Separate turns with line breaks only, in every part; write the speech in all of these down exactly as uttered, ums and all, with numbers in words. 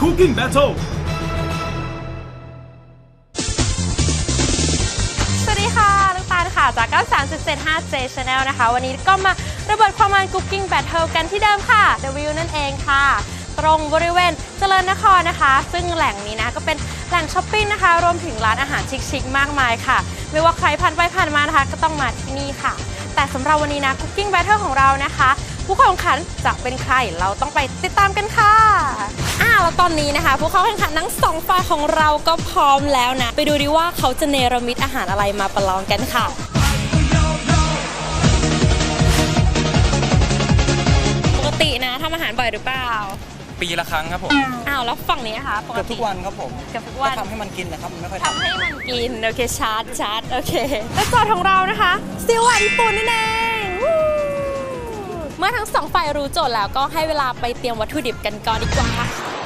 Cooking Battle
สวัสดีค่ะลูกตาลค่ะจาก เก้าสามจุดเจ็ดห้า เจ Channel นะคะวันนี้ก็มาระเบิดความมัน Cooking Battle กันที่เดิมค่ะ The View นั่นเองค่ะตรงบริเวณเจริญนครนะคะซึ่งแหล่งนี้นะก็เป็นแหล่งช้อปปิ้งนะคะรวมถึงร้านอาหารชิคๆมากมายค่ะไม่ว่าใครผ่านไปผ่านมานะคะก็ต้องมาที่นี่ค่ะแต่สำหรับวันนี้นะ Cooking Battle ของเรานะคะผู้เข้าแข่งขันจะเป็นใครเราต้องไปติดตามกันค่ะอ่าแล้วตอนนี้นะคะผู้เข้าแข่งขันทั้งสองฝ่ายของเราก็พร้อมแล้วนะไปดูดิว่าเขาจะเนรมิตอาหารอะไรมาประลองกันค่ะปกตินะทำอาหารบ่อยหรือเปล่า
ปีละครั้งครับผม
อ้าวแล้วฝั่งนี้นะคะปกติ
เกือบทุกวันครับผม
เกือบทุกวัน
ทำให้มันกินนะครับมันไม่ค่อยทำ
ทำให้มันกินโอเคชาร์จชาร์จโอเคและโจทย์ของเรานะคะซีอิ๊วหวานญี่ปุ่นนั่นเองเมื่อทั้งสองฝ่ายรู้โจทย์แล้วก็ให้เวลาไปเตรียมวัตถุดิบกันก่อนดีกว่า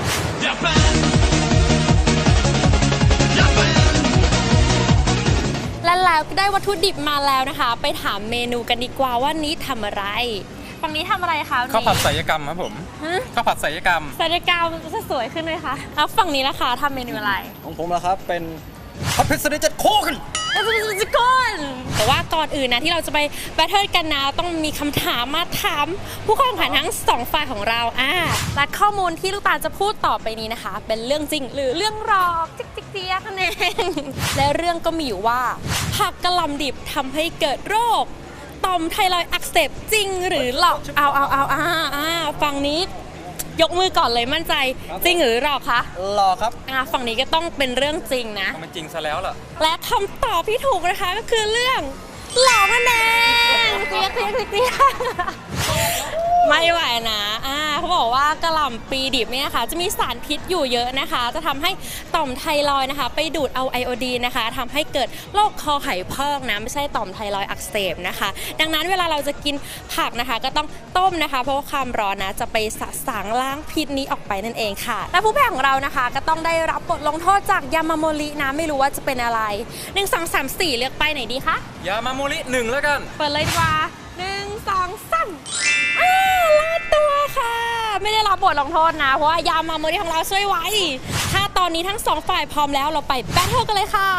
และแล้วก็ได้วัตถุดิบมาแล้วนะคะไปถามเมนูกันดีกว่าว่านี้ทำอะไรฝั่งนี้ทำอะไรคะ
ข้าวผัดศิลปกรรมครับผมข้าวผัดศิลปกรรม
ศิลปกรรมจะสวยขึ้นไหมคะแล้วฝั่งนี้ล่ะคะทำเมนูอะไร
ของผมละครับเป็นผัดเผ็ดสลิดเจ็ดโค้กัน
จะก้นแต่ว่าก่อนอื่นนะที่เราจะไปแบทเทิลกันนะต้องมีคำถามมาถามผู้เข้าแข่งขันทั้งสองฝ่ายของเราอ่าและข้อมูลที่ลูกตาลจะพูดต่อไปนี้นะคะเป็นเรื่องจริงหรือเรื่องหลอกจิ๊กจิ๊กเจี๊ยกันเองและเรื่องก็มีอยู่ว่าผักกะหล่ำดิบทำให้เกิดโรคต่อมไทรอยด์อักเสบจริงหรือหลอกเอาเอาเอาอ่าอ่าฝั่งนี้ยกมือก่อนเลยมั่นใจจริงหรือหลอกคะ
หลอกครับ
อ่าฝั่งนี้ก็ต้องเป็นเรื่องจริงนะ
มันจริงซะแล้วล่ะ
และคำตอบที่ถูกนะคะก็คือเรื่องหลอกนั่นเองเตี้ยเตี้ยเตี้ยไม่ไหวนะอ่าเขาบอกว่ากะหล่ำปีดิบเนี่ยค่ะจะมีสารพิษอยู่เยอะนะคะจะทำให้ต่อมไทรอยด์นะคะไปดูดเอาไอโอดีนนะคะทำให้เกิดโรคคอไขพอกนะไม่ใช่ต่อมไทรอยด์อักเสบนะคะดังนั้นเวลาเราจะกินผักนะคะก็ต้องต้มนะคะเพราะว่าความร้อนนะจะไปสะสางล้างพิษนี้ออกไปนั่นเองค่ะและผู้แพ้ของเรานะคะก็ต้องได้รับบทลงโทษจากยามาโมรินะไม่รู้ว่าจะเป็นอะไรหนึ่ง สอง สาม สี่เลือกไปไหนดีคะ
ยามาโมริหนึ่งแล้วกัน
เปิดเลยดีกว่าหนึ่ง สอง สามอ้าลาดตัวค่ะไม่ได้รับบทลงโทษนะเพราะว่ายามาโมริของเราช่วยไว้ถ้าตอนนี้ทั้งสองฝ่ายพร้อมแล้วเราไปแบทเทิลกันเลยค่ะ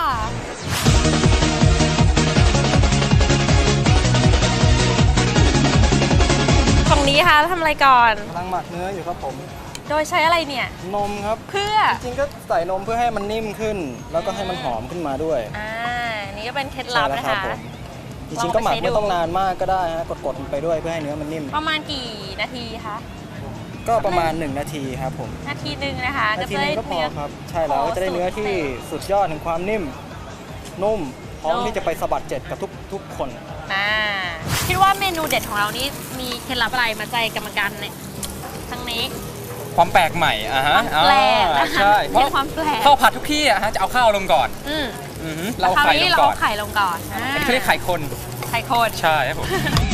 ฝั่งนี้ค่ะทำอะไรก่อน
กำลังหมักเนื้ออยู่ครับผม
โดยใช้อะไรเนี่ย
นมครับ
เพื่อ
จริงๆก็ใส่นมเพื่อให้มันนิ่มขึ้นแล้วก็ให้มันหอมขึ้นมาด้วย
อ่านี่ก็เป็นเคล็ดลับนะคะ
จริงๆก็หมักไม่ต้องนานมากก็ได้ฮะกดๆไปด้วยเพื่อให้เนื้อมันนิ่ม
ประมาณกี่นาทีคะ
ก็ประมาณหนึ่งนาทีครับผม
นาทีหนึ่งนะคะ
นาทีนึงก็พอครับใช่แล้วจะได้เนื้อที่สุดยอดถึงความนิ่มนุ่มพร้อมที่จะไปสะบัดเจ็ดกับทุกทุกคน
อ่าคิดว่าเมนูเด็ดของเรานี่มีเคล็ดลับอะไรมาใจกรรมการเนี่ยทั้งนี้
ความแปลกใหม่อ่ะฮะ
แปลก
ใช่
เพราะความแปลก
ข้าวผัดทุกที่อ่ะฮะจะเอาข้าวลงก่อน
อืม
เราไข่ลงก่อน
ไข่ลงก่อน
อันนี้เขาเรียกไข่คน
ไข่คน
ใช่ครับผม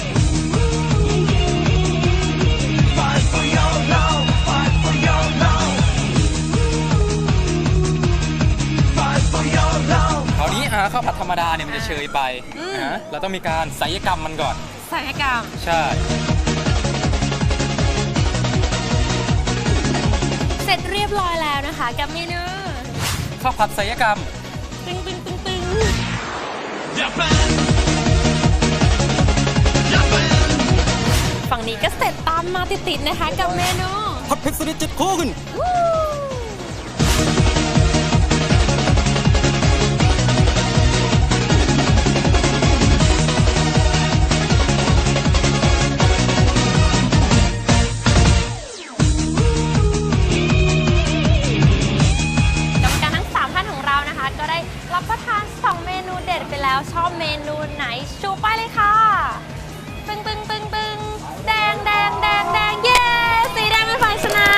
คราวนี้อ่ะข้าวผัดธรรมดาเนี่ยมันจะเชยไปนะเราต้องมีการศัลยกรรมมันก่อน
ศัลยกรรม
ใช่
เสร็จเรียบร้อยแล้วนะคะกับเมนู
ข้าวผัดศัลยกรรม
ตึงตึงตึงตึงฝั่งนี้ก็เสร็จตามมาติดๆนะคะกับเมนู
ผัดเผ็ดสลิดเจ็ดโค้กัน
ชอบเมนูไหนชูป้ายเลยค่ะตึงตึงตึงตึงแดงแดงแดงแดงเย้สีแดงเป็นฝ่ายชนะ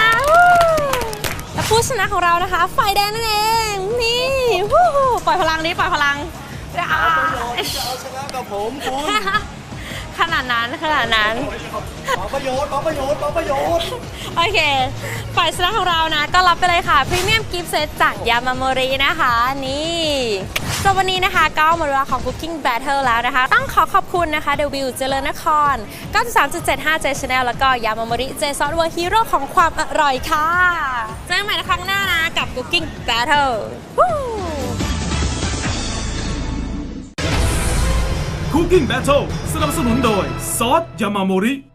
และผู้ชนะของเรานะคะฝ่ายแดงนั่นเองนี่ปล่อยพลังนี้ปล่อยพลัง
จะเอาชนะกับผมคุณ
ขนาดนั้นขนาดนั้น
ขอประโยชน์ขอประโยชน์ขอประโยชน์
โอเคฝ่ายชนะของเรานะก็รับไปเลยค่ะพรีเมียมกิฟต์เซตจากยามาโมรินะคะนี่สำหรับวันนี้นะคะก็หมดเวลาของ Cooking Battle แล้วนะคะต้องขอขอบคุณนะคะ The View เจริญนคร เก้าสิบสามจุดเจ็ดห้า J Channel แล้วก็ยามาโมริ J Sauce World Hero ของความอร่อยค่ะเจอกันใหม่ในครั้งหน้านะกับ Cooking Battle
Cooking Battle สนับสนุนโดยซอสยามาโมริ